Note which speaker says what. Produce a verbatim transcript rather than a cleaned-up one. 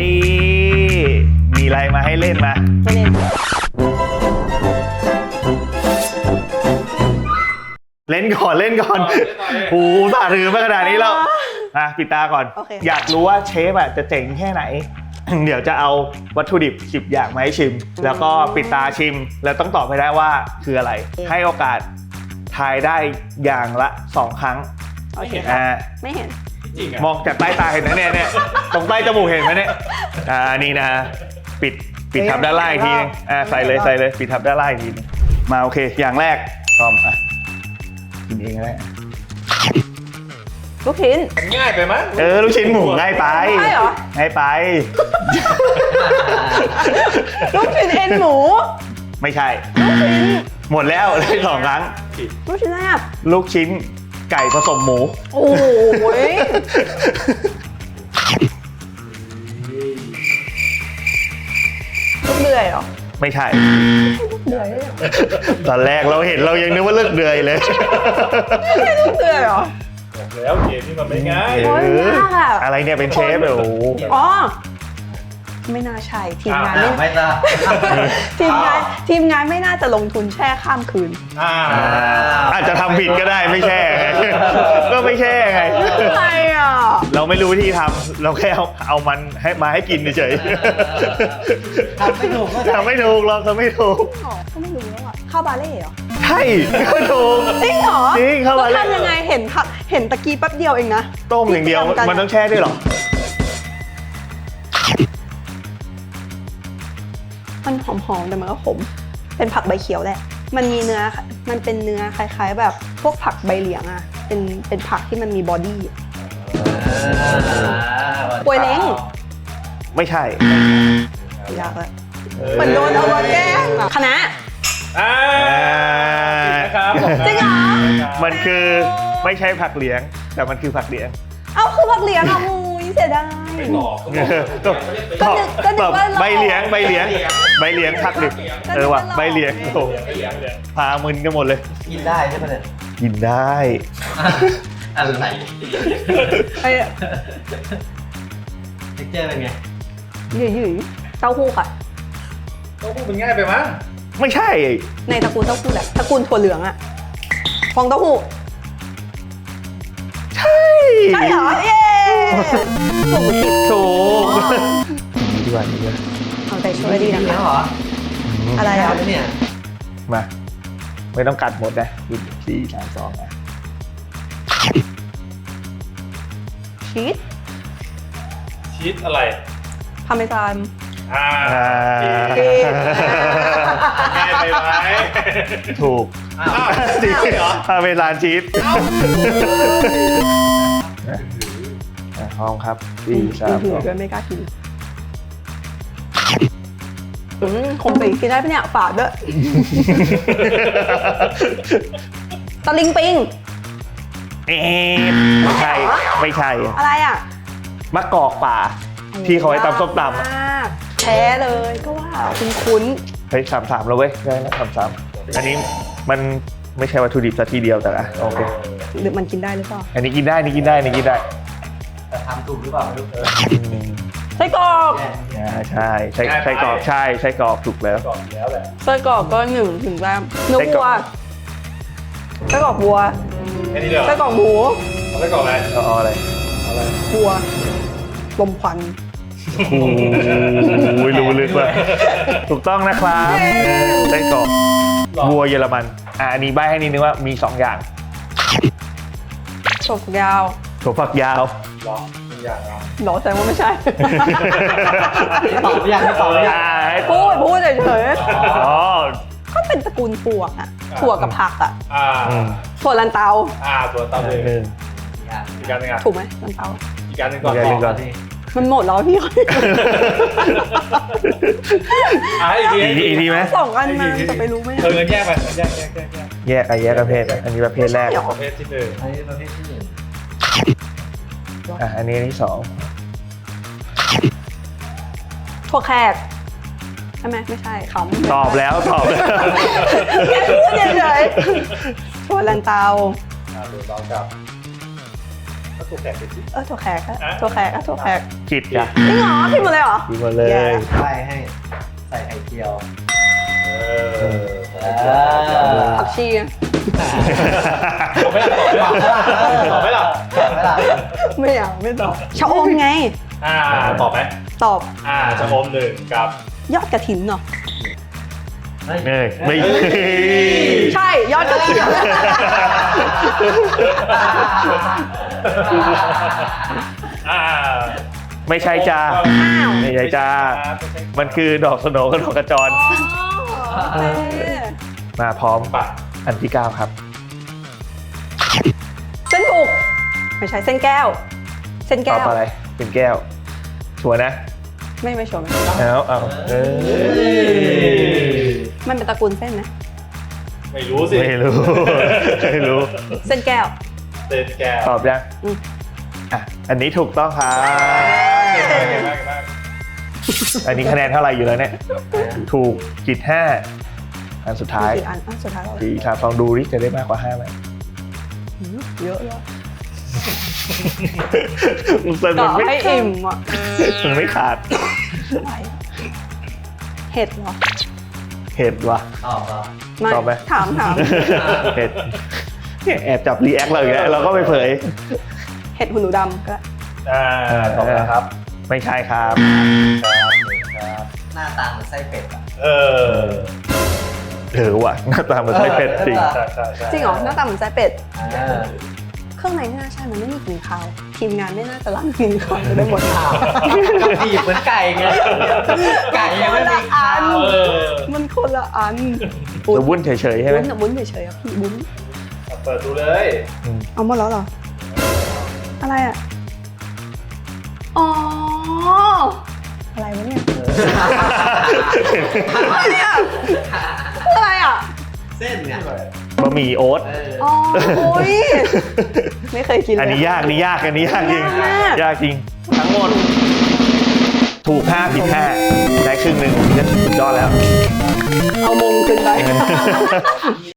Speaker 1: นี่มีอะไรมาให้เล่นมา
Speaker 2: ไม่เล่น
Speaker 1: เล่นก่อนเล่นก่อนโอ้โหสาถือมาขนาดนี้แล้วอ่ะปิดตาก่อนอยากรู้ว่าเชฟอ่ะจะเจ๋งแค่ไหน เดี๋ยวจะเอาวัตถุดิบสิบอย่างมาให้ชิมแล้วก็ปิดตาชิมแล้วต้องตอบให้ได้ว่าคืออะไรให้โอกาสทายได้อย่างละสองครั้ง
Speaker 2: โอเค
Speaker 1: อ่า
Speaker 2: ไม่เห็น
Speaker 1: มองจากใต้ตาเห็นไหมเนี่ยเนี่ยตรงใต้จมูกเห็นไหมเนี่ยอ่านี่นะปิดปิดทับด้านล่างอีกทีนึงอ่าใส่เลยใส่เลยปิดทับด้านล่างอีกทีนึงมาโอเคอย่างแรกพร้อมอ่ะกินเองก็ได้
Speaker 2: ลูกชิ้น
Speaker 3: ง่ายไปมั้ย
Speaker 1: เออลูกชิ้นหมูง่ายไป
Speaker 2: ง่ายเหรอ
Speaker 1: ง่ายไป
Speaker 2: ลูกชิ้นเอ็นหมู
Speaker 1: ไม่ใช่หมดแล้วได้สองครั้ง
Speaker 2: ลูกชิ้นอะไรอ่ะ
Speaker 1: ลูกชิ้นไก่ผสมหมู
Speaker 2: โอ้ยลูกเดือยเหรอ
Speaker 1: ไม่ใช่
Speaker 2: ลูกเดือย
Speaker 1: ตอนแรกเราเห็นเรายังนึกว่าเลือกเดือยเลย
Speaker 2: ไม่ใช่ลูกเดือยเหรอ
Speaker 3: แล้วเกมนี่มันไม่ง่าย
Speaker 1: อะไรเนี่ยเป็นเชฟเลยโอ้โห
Speaker 2: อ๋อไม่น่าใช่ทีมงาน
Speaker 3: ไม่น่า
Speaker 2: ทีมงานทีมงานไม่น่าจะลงทุนแช่ข้ามคืน
Speaker 1: อาจจะทำผิดก็ได้ไม่แช่ก็ไม่แช่ไง
Speaker 2: อะไรอ่ะ
Speaker 1: เราไม่รู้วิธีทำเราแค่เอาเอามันให้มาให้กินเฉย
Speaker 3: ทำไม่ถูก
Speaker 1: ทำไม่ถูกเราทำไม่ถูก
Speaker 2: ก็ไม่รู้แล้วอ่ะข้าวบาเล่เหรอ
Speaker 1: ใช่ก็ถูก
Speaker 2: จริงเหรอ
Speaker 1: จริงข้าวบาเล่
Speaker 2: ทำยังไงเห็นเห็นตะกี้แป๊บเดียวเองนะ
Speaker 1: ต้มอย่างเดียวมันต้องแช่ด้วยหรอ
Speaker 2: มันหอมๆแต่มันก็ขมเป็นผักใบเขียวแหละมันมีเนื้อมันเป็นเนื้อคล้ายๆแบบพวกผักใบเหลียงอ่ะเป็นเป็นผักที่มันมีบอดี้ป่วยเล้ง
Speaker 1: ไม่ใช่
Speaker 2: ยากเลยเหมือนโดนเอามาแก้คณะ
Speaker 3: นะครับ
Speaker 2: จริงเหรอ
Speaker 1: มันคือไม่ใช่ผักเหลียงแต่มันคือผักเหลียง
Speaker 2: เอาคือผักเหลียงอ่ะมูยเสียดาย
Speaker 1: ก็นึกว่าใบเหลียงใบเหลียงใบเหลียงผักดิบเออว่ะใบเหลียงโอ้พามึนกันหมดเลย
Speaker 3: กินได้ใช่ไหมเนี่ย
Speaker 1: กินได้
Speaker 3: อะไร
Speaker 2: ไอ้
Speaker 3: เท็กเจอร์เป็นไง
Speaker 2: หยุ่ยๆเต้าหู้ค่ะ
Speaker 3: เต้าหู้มันง่ายไปมั้ย
Speaker 1: ไม่ใช่
Speaker 2: ในตระกูลเต้าหู้แหละตระกูลถั่วเหลืองอะฟองเต้าหู้
Speaker 1: ใช่
Speaker 2: ใช่เหรอเย้ถูกผิด
Speaker 1: ถูกดีกว่าดีกว่า
Speaker 2: เอาใจช่วยดีนะคะเหรออะไรอ่ะ
Speaker 3: เนี่ย
Speaker 1: มาไม่ต้องกัดหมดนะสี่สามสองนะ
Speaker 2: ชีส
Speaker 3: ชีสอะไร
Speaker 2: พาเมซาน
Speaker 3: อ่าง่ายไปไหม
Speaker 1: ถูก
Speaker 3: จริงเหรอ
Speaker 1: พาเมซานชีสห้องครับสี่สามสอง
Speaker 2: ก็ไม่กล้ากินคงไปกินได้ปะเนี่ยฝาดด้วยตะลิงปิง
Speaker 1: เอ๊ะไม่ใช่ไม่ใช่
Speaker 2: อะไรอ่ะ
Speaker 1: มะกอกป่าที่เขาไว้ตำส้มตำ
Speaker 2: แท้เลยก็ว่าคุ้น
Speaker 1: ๆเฮ้ยสามสามแล้วเว้ยได้แล้วสามสามอันนี้มันไม่ใช่วัตถุดิบซะทีเดียวแต่ละโอเค
Speaker 2: หรือมันกินได้หรือเปล่า
Speaker 1: อันนี้กินได้นี่กินได้นี่กินได้
Speaker 3: แต่ทำถูกหรือเปล่าไม่รู้
Speaker 2: ไส้กรอก
Speaker 1: ใช่ใช่ไส้กรอกใช่ไส้กรอกถูกแล้ว
Speaker 2: ไส้กรอกก็หนึ่งถึงแล้เนื้อวัวไส้กรอกวัวไส้กรอกหมู
Speaker 3: ไส้กรอกอะไร
Speaker 1: อ๋ออะไร
Speaker 2: วัวลมควัน
Speaker 1: โอ้ยรู้ลึกเลยถูกต้องนะครับไส้กรอกวัวเยอรมันอ่ะอันนี้ใบ้ให้นิดนึงว่ามีสองอย่าง
Speaker 2: ถั่วฝักยาว
Speaker 1: ถั่วฝักยาว
Speaker 3: หรออย่าง
Speaker 2: หรอแสดงว่าไม่ใช่
Speaker 3: ตอบอย่างตอบอย่าง
Speaker 2: พูดพูดเฉยๆอ๋อก็เป็นตระกูลถั่วอ่ะถั่วกับผักอ่ะถั่วลันเตา
Speaker 3: อ่าถั่วลันเตาเลยอีกการนึงอ่ะ
Speaker 2: ถูกไหมลันเตา
Speaker 3: อีกการนึงก่อนก่อน
Speaker 2: มันหมดแล้วพี่
Speaker 3: อ่ะอีกที
Speaker 1: อีกทีไหม
Speaker 2: สองอันมาจะไปรู้ไหม
Speaker 3: เออแยกไปแยกแยกแยก
Speaker 1: แยกแยกประเภทอันนี้ประเภทแรก
Speaker 3: ประเภทที่หนึ่งอันนี้ประเภทที่หนึ่ง
Speaker 1: อ่ะอันนี้ที่สอง
Speaker 2: ถั่วแขกใช่ไหมไม่ใช่ขำ
Speaker 1: ตอบแล้วตอบแล้ว
Speaker 2: แค่พูดเฉยๆถั่วลันเตา
Speaker 3: อ่าถั่วเตากับ
Speaker 4: ถูกแตกไปสิ
Speaker 2: เออถั่วแขกอะถั่วแขกอะถั่วแขก
Speaker 1: ผิดจ้ะ
Speaker 2: จริงเหรอผิดหมดเลยเหรอ
Speaker 1: ผิดหมดเลย
Speaker 2: แย่
Speaker 3: ใช่ให้ใส่ไข่เจียว
Speaker 4: เออ
Speaker 3: เออ
Speaker 2: ผักชีอะ
Speaker 4: ตอบไม่หลับตอบไม่หลับตอบไม่หลับ
Speaker 2: ไม่เอาไม่ตอบชะอมไง
Speaker 4: อ่าตอบไหม
Speaker 2: ตอบ
Speaker 4: อ่าจะอมหนึ่งกับ
Speaker 2: ยอดกระถินเนาะ
Speaker 3: เฮ้ย
Speaker 1: เอ้ยไม่
Speaker 2: ใช่ยอดกระถิน
Speaker 4: อ่า
Speaker 1: ไม่ใช่จ้า
Speaker 2: อ้าว
Speaker 1: ไม่ใช่จ้า มันคือดอกสโหนกับดอกกระจร
Speaker 2: โอเค
Speaker 1: มาพร้อม
Speaker 4: ปะ
Speaker 1: อันที่เก้าครับ
Speaker 2: เส้นบุกไม่ใช่เส้นแก้ว เส้น
Speaker 1: ต
Speaker 2: แก้
Speaker 1: อบ
Speaker 2: ว
Speaker 1: อะไร เป็นแก้ว ชัวร์นะ
Speaker 2: ไม่ไม่ชัวร์ไหม
Speaker 1: เอาเอาเออ
Speaker 2: มันเป็นตระกูลเส้นไหม
Speaker 4: ไม่รู้สิ
Speaker 1: ไม่รู้ ไม่รู้
Speaker 2: เส้นแก้ว
Speaker 4: เต้นแก้ว
Speaker 1: ตอบยัง
Speaker 2: อืม
Speaker 1: อ่ะ อันนี้ถูกต้องครับ
Speaker 4: เก่งมากเก่งมาก
Speaker 1: อันนี้คะแนนเท่าไหร่อยู่แล้วเนี่ย ถูกกิดห้า อันสุดท้าย
Speaker 2: กี่อันอ่ะสุดท้ายแล้ว
Speaker 1: ดีครับลองดูดิจะได้มากกว่าห้าไหม
Speaker 2: หือเยอะเลย
Speaker 1: มันเป็น
Speaker 2: ต่อ
Speaker 1: ไม่
Speaker 2: ให้อิ่มอ่ะ
Speaker 1: มันไม่ขาด
Speaker 2: อะไรอะเห็ดเหรอ
Speaker 1: เห็ดว่ะ
Speaker 3: ตอบเหรอ
Speaker 2: ไม่
Speaker 1: ตอบไหม
Speaker 2: ถามถาม
Speaker 1: เห็ดเนี่ยแอบจับรีแอคเราอีกแล้วเราก็ไปเผย
Speaker 2: เห็ดหูหนูดำก็
Speaker 4: อ่าตอบแล้วครับ
Speaker 1: ไม่ใช่ครับ
Speaker 4: ครับครับ
Speaker 3: หน้าตาเหมือนไส้เป็ดอ่ะ
Speaker 4: เออ
Speaker 1: เออว่ะหน้าตาเหมือนไส้เป็ดจริง
Speaker 4: ใช่ใช่ใช่
Speaker 2: จริงเหรอหน้าตาเหมือนไส้เป็ด
Speaker 3: เออ
Speaker 2: เครื่องในไม่น่าใช่มันไม่มีกลิ่นคาวทีมงานไม่น่าจะล้างกลิ่นคาวจะได้หมด
Speaker 3: อ้าวกระดีบเหมือนไก่ไงไก่ยังไม่มีขาว
Speaker 4: เออ
Speaker 2: มันคนละอัน
Speaker 1: จะวุ่นเฉยๆใช่ไหม
Speaker 2: บุ้นอะบุ้นเฉยๆอะพี่บุ้น
Speaker 4: เปิดดูเลย
Speaker 2: เอาหมดแล้วเหรอ อะไรอ่ะ อ๋อ อะไรวะเนี่ย อะไรอ่ะอะไรอ่ะ
Speaker 3: เส้นเนี่ย
Speaker 1: บะหมี่โอ๊ต
Speaker 3: เออ
Speaker 2: อ๋อโอ้ยไม่เคยกินเลย
Speaker 1: อันนี้ยากอันนี้ยากอันนี้ยากจริง
Speaker 2: ยากมาก
Speaker 1: ยากจริง ทั้งหมด ถูกห้าผิดห้าได้ครึ่งหนึ่งผมก็สุดยอดแล้ว
Speaker 2: เอามงขึ้นไป